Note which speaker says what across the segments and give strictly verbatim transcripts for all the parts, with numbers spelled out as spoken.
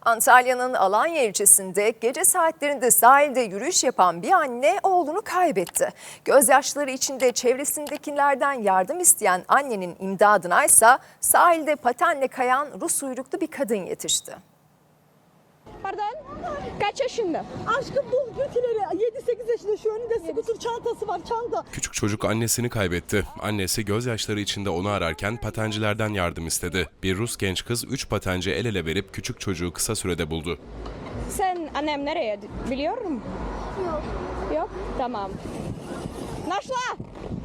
Speaker 1: Antalya'nın Alanya ilçesinde gece saatlerinde sahilde yürüyüş yapan bir anne oğlunu kaybetti. Gözyaşları içinde çevresindekilerden yardım isteyen annenin imdadına ise sahilde patenle kayan Rus uyruklu bir kadın yetişti.
Speaker 2: Pardon? Kaç yaşında?
Speaker 3: Aşkım bul götüleri. yedi sekiz yaşında, şu önünde skuter çantası var, çanta.
Speaker 4: Küçük çocuk annesini kaybetti. Annesi gözyaşları içinde onu ararken patencilerden yardım istedi. Bir Rus genç kız üç patenci el ele verip küçük çocuğu kısa sürede buldu.
Speaker 2: Sen annem nereye biliyor musun? Yok. Yok? Tamam. Нашла!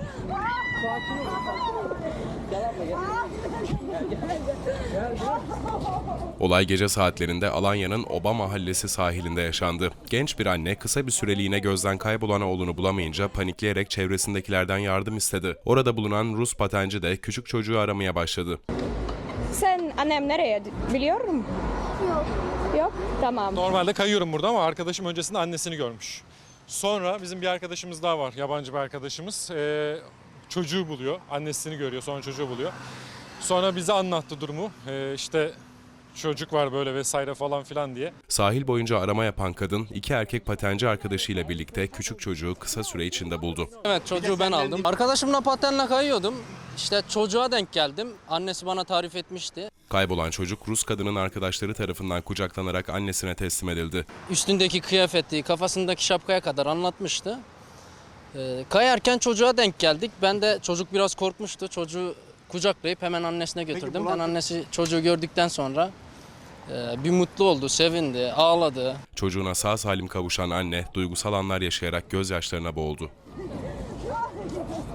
Speaker 4: Olay gece saatlerinde Alanya'nın Oba Mahallesi sahilinde yaşandı. Genç bir anne kısa bir süreliğine gözden kaybolan oğlunu bulamayınca panikleyerek çevresindekilerden yardım istedi. Orada bulunan Rus patenci de küçük çocuğu aramaya başladı.
Speaker 2: Sen annem nereye biliyor musun? Yok. Yok? Tamam.
Speaker 5: Normalde kayıyorum burada ama arkadaşım öncesinde annesini görmüş. Sonra bizim bir arkadaşımız daha var, yabancı bir arkadaşımız. Ee, çocuğu buluyor, annesini görüyor, sonra çocuğu buluyor. Sonra bize anlattı durumu. Ee, işte çocuk var böyle vesaire falan filan diye.
Speaker 4: Sahil boyunca arama yapan kadın iki erkek patenci arkadaşıyla birlikte küçük çocuğu kısa süre içinde buldu.
Speaker 6: Evet, çocuğu ben aldım. Arkadaşımla patenle kayıyordum. İşte çocuğa denk geldim. Annesi bana tarif etmişti.
Speaker 4: Kaybolan çocuk Rus kadının arkadaşları tarafından kucaklanarak annesine teslim edildi.
Speaker 6: Üstündeki kıyafeti, kafasındaki şapkaya kadar anlatmıştı. Ee, kayarken çocuğa denk geldik. Ben de çocuk biraz korkmuştu. Çocuğu kucaklayıp hemen annesine götürdüm. Ben annesi çocuğu gördükten sonra e, bir mutlu oldu, sevindi, ağladı.
Speaker 4: Çocuğuna sağ salim kavuşan anne duygusal anlar yaşayarak gözyaşlarına boğuldu.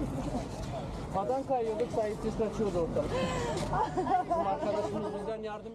Speaker 6: Paten kayıyorduk, sahipsiz kaçıyordu orada. Bizim arkadaşımız bizden yardım